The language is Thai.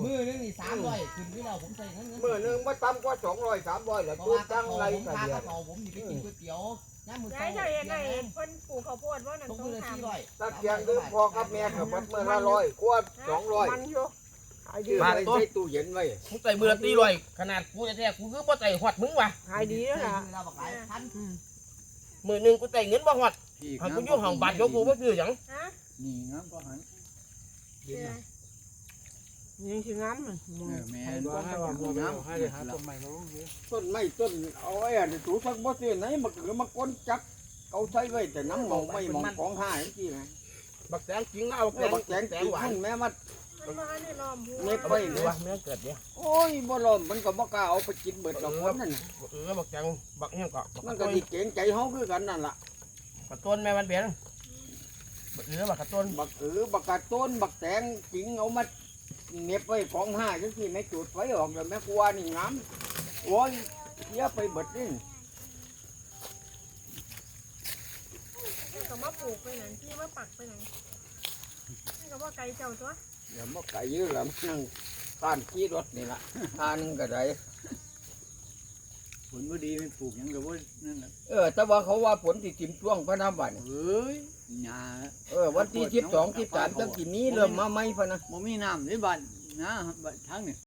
มือนึงนี่300ขึ้นที่เราผมใส่เงินมื้อนึงบ่ต่ำกว่า200 300แล้วเพราะตู้ว่าจังไรผมก็พาเดียเขาผมนี่ไปกินก๋วยเตี๋ยวน้ำมือย้ายเจ้าเองไงเพิ่นปลูกข้าวโพดว่านั่นต้องต้มืองอละทำ 400 ตะเกียงคือพ่อกับแม่ก็บัดมื้อละ100กว่า200 มันอยู่หายดีซื้อไว้ใส่ตู้เย็นไว้มึงใส่มือละตีลอยขนาดกูแท้ๆกูคือบ่ใส่หอดมึงว่ะหายดีแล้วนะเราบอกหลายพันมือหนึงกูใส่เงินบ่หอดหันกูอยู่ห้องบัตรยกกูบ่ซื้อหยังฮะนี่งามก็หันยังสิงามมันแม่นว่าให้ว่าบ่งามให้ได้หาต้นใหม่มาลงดิต้นไม้ต้นเอาไว้อันนี้ถูสักบ่ซื้อไหนมาคือมาก้นจักเอาใช้ไว้แต่น้ำหมองไม่หมองของหายจังซี่ไงบักแตงจริงเอาบักแตบังกแตงแตกิงนหวานขึ้นแม่มามันมาเนี่ยล้อมหัวเน็บเอาไว้ไปเนี่ว่าย เมื่อเกิดเนี่ยโอ้ยบ่ล้อมมันก็บ่กล้าเอาไปกินเบิดดอกคนนั่นบักแตงบักเฮียงก็มันก็สิเก่งใจเฮาคือกันนั่นล่ะกระต้นแม่มันเบี้ยบักบักกระต้นบักบักกะต้นบักแตงจริงเอามาเน็บไว้ของหายจังซี่แม่จุดไฟออกแล้วแม่กลัวนี่งามโอ้ยเสียไปเบิดนี่ก็มาปลูกไปไหนที่มาปักไปไหนนี่ก็ว่าไก่เจ้าตัวเดี๋ยวมาไก่ยื้อแล้วนั่งต้านขี่รถนี่ล่ะทานึงก็ได้ผลบ่ดีมันปลูกหยังก็บ่นั่นน่ะแต่ว่าเขาว่าฝนสิจิ้มช่วงพระน้ำบัดเอ้ยหญ้าวันที่12 13จังสิมีเริ่มมาใหม่พะนะบ่มีน้ำในบ้านนะบ้านทางนี่